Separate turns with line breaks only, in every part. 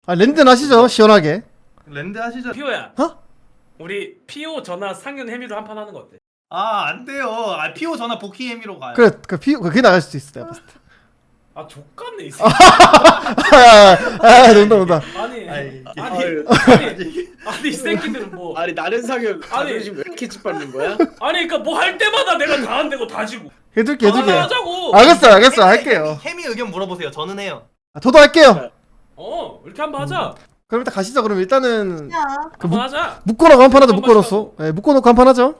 아 랜드는 하시죠 시원하게.
랜드 하시죠.
피오야.
어?
우리 피오 전화 상윤 해미로 한 판 하는 거 어때?
아, 안 돼요. 아, 피오 전화 복희 해미로 가요.
그래 그게 나갈 수도 있어 내가 봤을 때.
아 족같네 이 새끼.
논다.
아니
아이,
아니 이 새끼들은 뭐
아니 나는 상현
아니.
자존심 왜 이렇게 짓밟는 거야?
아니 그니까 뭐 할 때마다 내가 다 안 되고 다 지고.
해줄게.
하나 하자고.
알겠어 할게요.
해미 의견 물어보세요. 저는 해요.
아, 저도 할게요.
이렇게 한번 하자.
그럼 일단 가시죠. 그럼 일단은
야,
한번 하자.
묶어놓고 한 판 하죠.
한번
묶어놓고.
하자고.
네, 묶어놓고 한 판 하죠.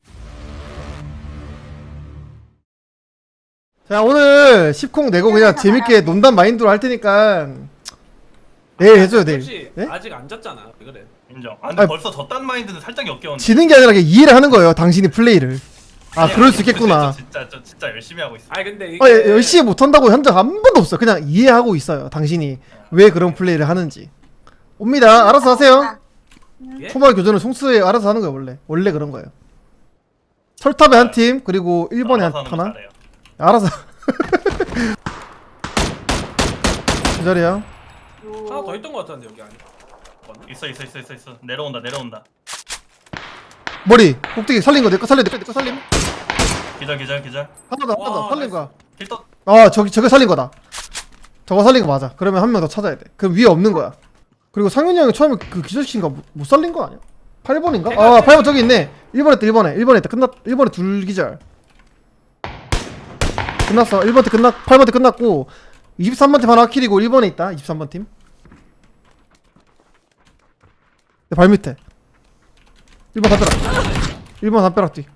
자 오늘 10콩 내고 그냥 재밌게 논단 마인드로 할 테니까 내일 해줘요 내일.
혹시
네?
아직 안 졌잖아. 왜 그래?
인정. 아, 근데
아,
벌써 졌단 마인드는 살짝 역겨운데.
지는 게 아니라 그냥 이해를 하는 거예요. 당신이 플레이를. 아 그럴 수 있겠구나.
저 진짜 열심히 하고 있어.
아니 근데 이게
열심히 못한다고 한 적 한 번도 없어. 그냥 이해하고 있어요. 당신이 왜 그런 플레이를 하는지. 옵니다. 알아서 하세요.
예?
초반 교전은 송수에 알아서 하는 거예요. 원래 그런 거예요. 철탑에 한 팀 그리고 1번에
알아서
한
하는 거
하나.
잘해요.
알아서. 그 자리야.
하나 더 있던 거 같았는데 여기 아니.
있어. 내려온다.
머리 꼭대기 살린 거 내 거 살림.
기절.
하나 더
와,
살린 거야.
힐떡.
저게 살린 거다. 저거 살린 거 맞아. 그러면 한 명 더 찾아야 돼. 그럼 위에 없는 거야. 그리고 상윤이 형이 처음에 그 기절시킨가 못 살린 거 아니야? 8번인가? 아 8번 저기 있네. 1번에 있다 1번에 있다. 1번에 둘 기절. 끝났어. 1번 팀 8번 팀 끝났고 23번 팀 하나 킬이고 1번에 있다. 23번 팀. 내 발 밑에. 1번 담벼락. 1번 담벼락 뒤.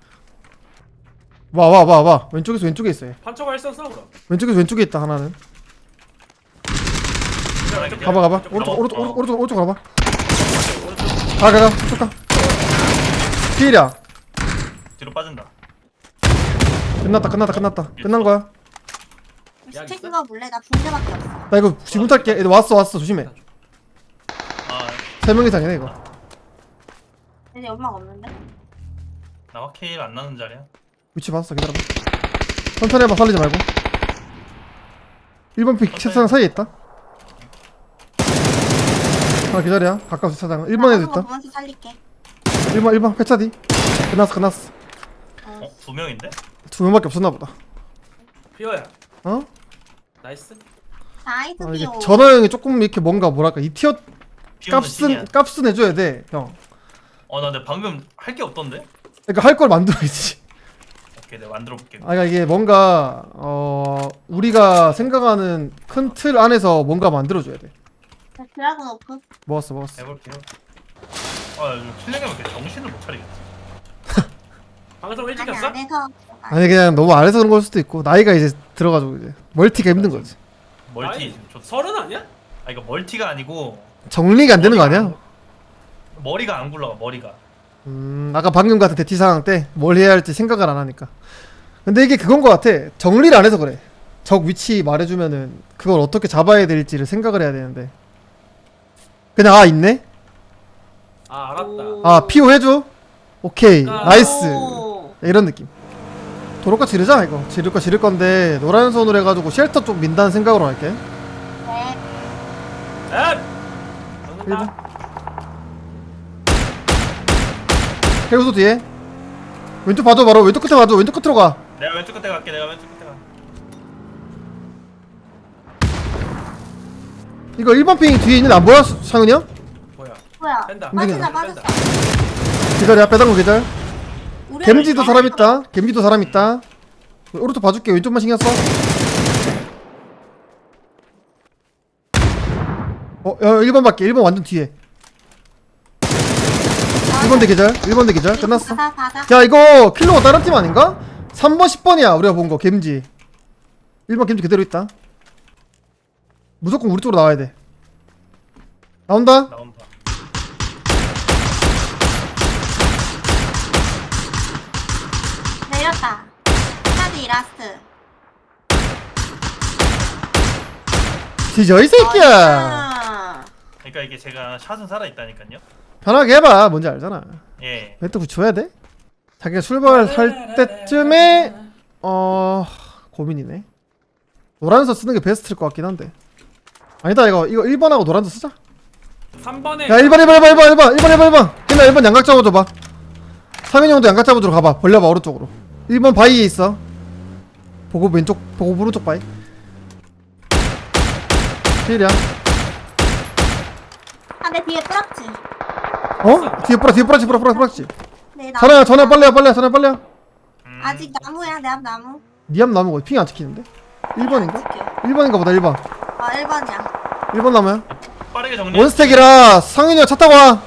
와. 왼쪽에 있어 얘.
판초가 일선 싸우라.
왼쪽에 있다 하나는. 가봐. 오른쪽 가봐. 가. 쭉 가. 필이야.
뒤로 빠진다.
끝났다. 끝난 거야.
스택인 거 몰래 나 붕대밖에 없어.
나 이거 지금 탈게. 애들 왔어. 조심해.
아,
3명 이상이네 이거.
근데 연막 없는데?
나 확킬 안 나는 자리야.
위치 봤어. 기다려봐. 천천히 해봐. 살리지 말고. 1번 픽 책상 사이에 있다. 하나 기다려. 가까운 주차장. 1번에도 있다.
보면서 살릴게.
1번 회차 뒤. 끝났어.
두 명인데?
2명밖에 없었나 보다.
피오야.
어?
나이스.
나이스
이게
피오.
전화 형이 조금 이렇게 뭔가 뭐랄까 이 티어
피오는 신이야.
값은 해줘야 돼 형.
나 근데 방금 할 게 없던데?
그러니까 할 걸 만들어야지.
오케이, 내가 만들어 볼게.
그러니까 이게 뭔가 우리가 생각하는 큰 틀 안에서 뭔가 만들어줘야 돼.
드라곤 오프.
먹었어.
해볼게요. 요즘 킬링하면 이렇게 정신을 못 차리겠지.
방송 일찍
아니
켰어?
안에서.
아니 그냥 너무 아래서 그런 걸 수도 있고 나이가 이제 들어가지고 이제 멀티가 힘든 거지.
멀티
아니,
좋다.
서른 아니야?
이거 멀티가 아니고
정리가 안 되는 거 아니야?
머리가 안 굴러가. 머리가.
아까 방금 같은 대티 상황 때 뭘 해야 할지 생각을 안 하니까. 근데 이게 그건 거 같아. 정리를 안 해서 그래. 적 위치 말해주면은 그걸 어떻게 잡아야 될지를 생각을 해야 되는데 그냥 있네?
아 알았다.
아 피오 해줘? 오케이 나이스.
오.
이런 느낌. 도로가 지르자 이거. 지를 건데 노란 선으로 해가지고 쉘터 쪽 민다는 생각으로 할게.
네.
앱.
1번. 해우소 뒤에. 왼쪽 봐줘 바로. 왼쪽 끝에 봐줘. 왼쪽 끝으로 가.
내가 왼쪽 끝에 갈게.
이거 1번 핑 뒤에 있는 안 보여? 상은이 형?
뭐야?
뺀다.
빠진다.
기다려. 빼던 거 기다려.
우리
겜지도 사람 있다. 오른쪽 봐줄게. 왼쪽만 신경 써. 1번 밖에. 1번 완전 뒤에. 1번 대 계절. 끝났어.
가자.
야 이거 킬로가 다른 팀 아닌가? 3번 10번이야 우리가 본거 겜지. 1번 겜지 그대로 있다. 무조건 우리 쪽으로 나와야 돼. 나온다.
나온다.
내렸다. 카드 라스트.
뒤져 이 새끼야.
아.
그러니까 이게 제가 샷은 살아 있다니까요.
편하게 해봐. 뭔지 알잖아.
예.
멘트 붙여야 돼? 자기가 출발할 때쯤에 고민이네. 노란서 쓰는 게 베스트일 것 같긴 한데. 아니다 이거 1번하고 노란서 쓰자.
3번에
야 1번 걔네 1번 양각 잡아줘봐. 상현이 형도 양각 잡아주러 가봐. 벌려봐 오른쪽으로. 1번 바위에 있어. 보고 왼쪽 보고 오른쪽 바위. 필이야.
아, 내 뒤에 뿌락지.
어? 뒤에 뿌락지.
네, 나.
전화 빨리야.
아직 나무야, 내 앞 나무.
니 앞 나무 핑이 안 찍히는데? 1번인가?
지켜.
1번인가 보다 1번.
아, 1번이야.
1번 나무야.
빠르게 정리.
원스택이라 상현이 형 차 타고 와.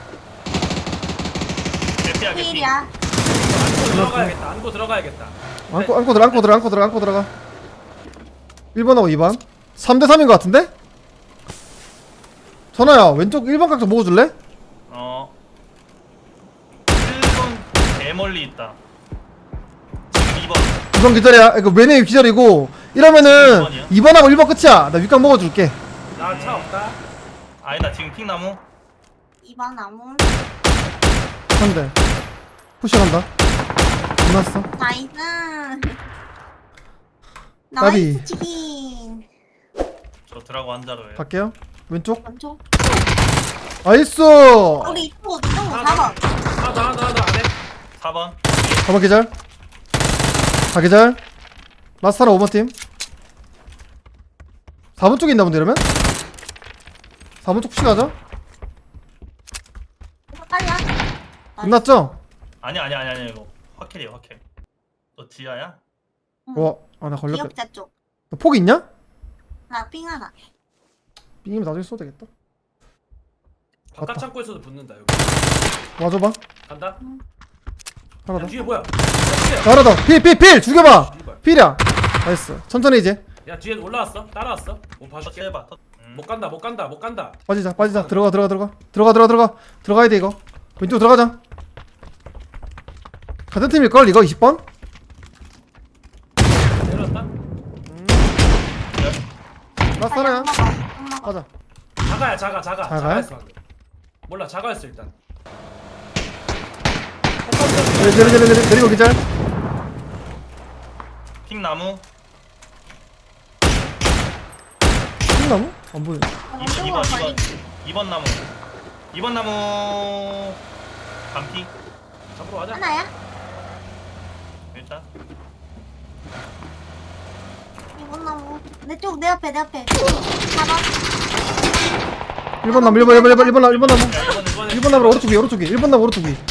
개피야 개피.
필이야.
안고 들어가야겠다.
안고 들어가. 1번하고 2번. 3대 3인 것 같은데? 전화야 왼쪽 1번 각좀 먹어줄래?
1번 개멀리 있다. 지금 2번.
2번 기절이야. 이거 맨에 기절이고 이러면은
2번이야?
2번하고 1번 끝이야. 나 윗각 먹어줄게.
나 차 없다.
아니다 지금 핑나무.
2번 나무.
한 대. 푸시간다. 끝났어.
나이스.
나비.
나이스 치킨.
저 드라고 한자로예요.
갈게요. 왼쪽.
왼쪽.
나이스.
우리 이쪽 4번.
나 안해.
4번.
4번 기절. 다 기절. 라스타라 5번 팀. 4번 쪽에 있나 본데 이러면? 4번 쪽 푸시 가자.
빨리야.
끝났죠?
아니 이거 확킬이에요 확킬. 너 지하야?
와, 아 나 걸렸다.
기억자 쪽.
너 폭 있냐?
나삥 하나.
빙이면 나중에 써도 되겠다.
바깥
맞다.
창고에서도 붙는다 여기.
와줘봐.
간다.
하나
야,
더.
뒤에 뭐야?
하나 더. 필 죽여봐. 필이야. 나이스. 천천히 이제.
야 뒤에 올라왔어. 따라왔어. 뭐 봐줄게.
터치해봐.
못 간다.
빠지자. 들어가야 돼 이거. 왼쪽 들어가자. 같은 팀일걸 이거 20번?
내렸다.
라스타라야.
엄마.
가자.
자가야.
자가야?
자가였어 방금. 몰라 자가였어 일단.
내리고 기절.
핑나무.
흰나무? 안 보여.
2번 나무. 2번 나무. 반피.
잡으러 가자.
하나야?
일단.
이번 나무. 내 앞에. 4번.
1번 나무 1번 나무.
야,
1번 나무 오른쪽 위. 1번 나무 오른쪽 위.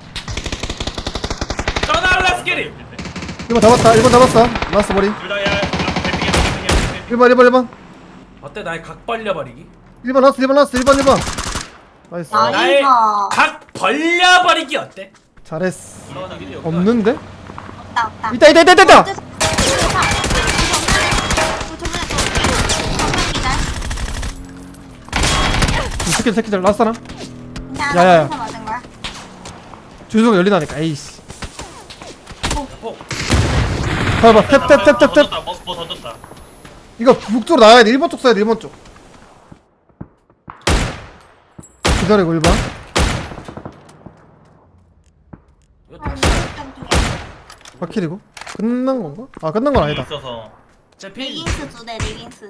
떠날라 스케리.
1번 잡았어. 라스트 머리.
둘다 야. 개피.
1번.
어때 나의 각 벌려버리기?
1번 라스트. 1번. 나이스.
나의
나이스.
각 벌려버리기 어때?
잘했어.
올라가자 길이 없다.
없는데?
없다.
있다. 이 새끼들 라스트 하나. 야야야. 주소가 열리다니까. 에이씨.
어,
봐봐. 탭.
뭐 던졌다.
이거 북쪽으로 나와야 돼. 1번 쪽 써야 돼. 1번 쪽. 기다리고 1번.
이거 다시.
바퀴리고. 끝난 건가? 아 끝난 건 아니다.
있어서.
제 필.
리깅스 2대 리깅스.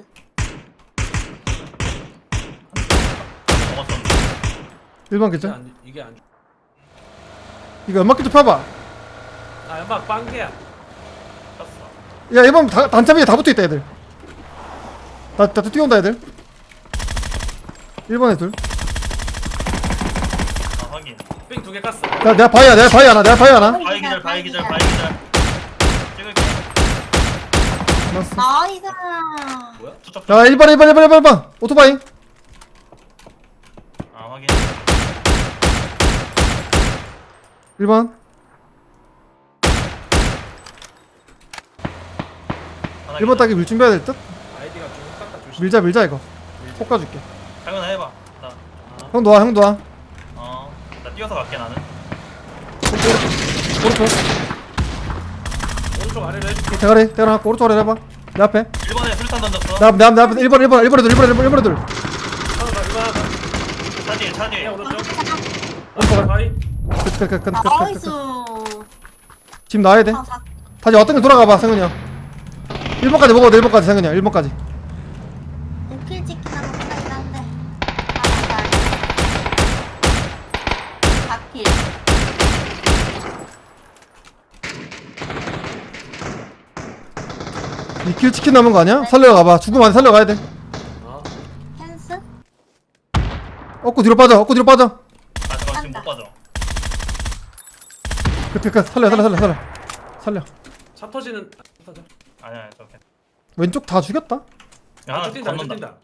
먹었었는데.
1번 기절.
이게 안.
이거 연막기 좀 펴봐.
아 연막 빵개야.
쳤어.
야 1번 단차 위에 다 붙어있다 애들. 나 뛰어온다 애들. 1번에 둘.
아 확인.
삥 2개 깠어.
내가 바위 하나.
바위 기절. 찍을게.
맞았어.
나이스.
뭐야?
투척.
야 1번 오토바이.
아 확인.
1번.
하나
1번 따기 밀 준비해야 될 듯?
아이디가 좀 깎아 조심.
밀자 이거. 폭 가줄게.
당연히 해봐. 나.
형도 와.
나 뛰어서 갈게 나는.
오른쪽.
오른쪽 아래로 해줄게.
대가리 떼어놨고 오른쪽 아래 해봐. 내 앞에.
1번에 수류탄 던졌어.
내 앞에 1번에 둘.
하나 더 이거 하나 더.
차 뒤에.
오른쪽.
오른쪽
바위.
나이스.
지금 나와야 돼. 다시 어떤 게 돌아가봐 상현이 형. 1번까지 먹어도 1번까지 상현이 형. 1번까지.
오킬 찍기나 못하긴 한데.
2킬 치킨 남은 거 아니야? 살려가봐. 죽으면 안 돼. 살려가야 돼.
어.
펜스?
얻고 뒤로 빠져. 얻고 뒤로 빠져.
아 잠깐 지금 못 빠져.
그 살려.
차 터지는. 터져.
아니야 저 괜찮아.
왼쪽 다 죽였다.
야, 하나
뛴다
건넌다.
뛴다.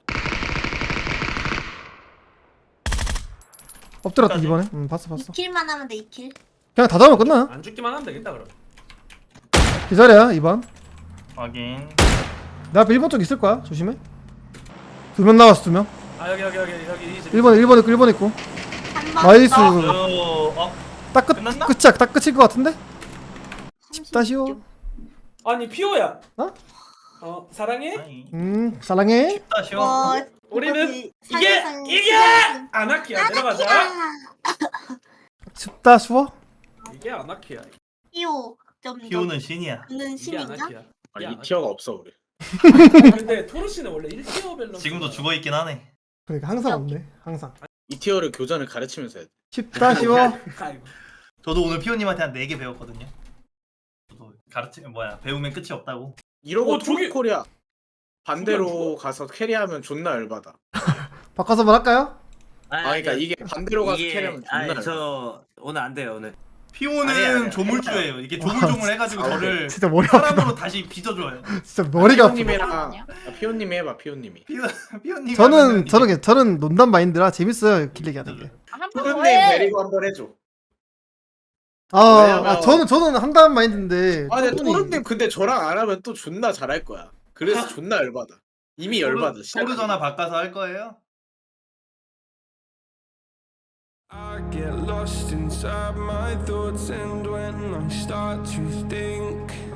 엎드렸다
끝까지?
이번에. 봤어.
2킬만 하면 돼 2킬.
그냥 다 잡으면 끝나.
안 죽기만 하면 되겠다 그럼.
기다려 2번.
확인.
내 앞에 1번 쪽 있을 거야. 조심해. 2명 나왔어 2명.
아 여기 이 집.
1번 있고.
한번
나이스. 딱
끝났나?
끝이야. 딱 끝일 것 같은데? 다시오.
아니 피오야.
어?
사랑해?
아니.
사랑해.
다시요.
우리는
사실상
이게 아나키야. 들어가자.
춥다 추워?
이게 아나키야.
피오 좀
피오는 신이야.
는
이게
신인가?
아나키야.
아,
이게
이 티어가 없어 우리.
근데 토르씨는 원래 1티어 밸런스.
지금도 죽어 있긴 하네.
그러니까 항상 없네. 항상.
이 티어를 교전을 가르치면서 해야 돼.
춥다 쉬워.
아이고.
저도 오늘 피오님한테 한 4개 배웠거든요. 저도 배우면 끝이 없다고.
이러고
저기-
코리아 반대로
저기
가서 캐리하면 존나 열받아.
바꿔서 한번 할까요?
아 그러니까 이게 반대로 가서 캐리하면 존나
아니
열받아.
저 오늘 안 돼요 오늘.
피오는
아니야.
조물주예요. 이게 조물조물 해가지고
아,
저를
진짜 머리 아프다.
사람으로 다시 빚어줘요.
진짜 머리가 아프다.
피오님이랑 피오님이 해봐 피오님이.
피오님
저는 논담 마인드라 재밌어요. 길 얘기하는 게.
피오님 데리고 한번 해줘.
저는 한다는 마인드인데.
아 근데
토론이-
토르님 근데 저랑 안 하면 또 존나 잘할 거야. 그래서 존나 열받아. 이미 열받아.
토르 전화 바꿔서 할 거예요?
I get lost inside my thoughts, and when I start to think